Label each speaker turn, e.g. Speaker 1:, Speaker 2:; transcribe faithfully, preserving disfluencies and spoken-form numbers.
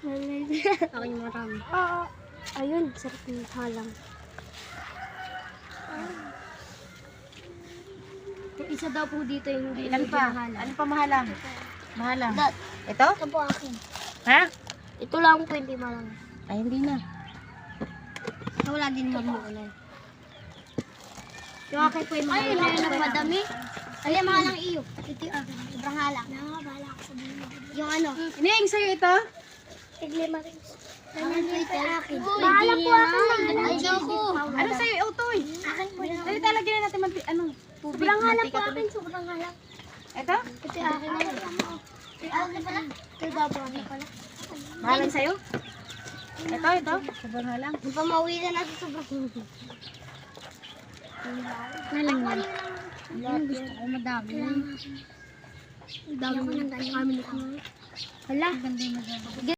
Speaker 1: Akin marami.
Speaker 2: Oo. Ayun, sarap ng halang.
Speaker 1: Yung isa daw po dito yung hindi
Speaker 3: Ilan pa?
Speaker 1: mahala.
Speaker 3: Ano pa mahalang? Mahalang.
Speaker 1: Dad,
Speaker 3: Ito?
Speaker 1: ito po akin.
Speaker 3: Ha?
Speaker 1: Ito lang po hindi marami.
Speaker 3: Ay, hindi na.
Speaker 1: Wala din mamuulan. Yung akin po yung mga Ay, yun na madami. Ay, mga lang iyo. Ito yung akin. Sobrang halang. Nakakabala ako sa buhay. Yung ano?
Speaker 3: Ining sa'yo ito?
Speaker 1: Tiglima rin. Akin po ito akin.
Speaker 2: Bahala po akin.
Speaker 1: Ay, ko.
Speaker 3: Ano sa'yo, Utoy?
Speaker 1: Akin po yung
Speaker 3: Dali talagyan na natin manti, ano, tubig.
Speaker 1: Sobrang halang
Speaker 3: mantika,
Speaker 1: po
Speaker 3: tubig.
Speaker 1: akin. Sobrang halang.
Speaker 3: Ito?
Speaker 1: Ito yung akin na yun. Ito yung akin pala. Ito yung babo akin pala.
Speaker 3: Mahalang sa'yo? Ito, ito. Sobrang halang.
Speaker 1: Hindi pa mauwi na natin sobrang halang. Halang yan. Yung gusto ko madami. Madami. Kami na. Hala.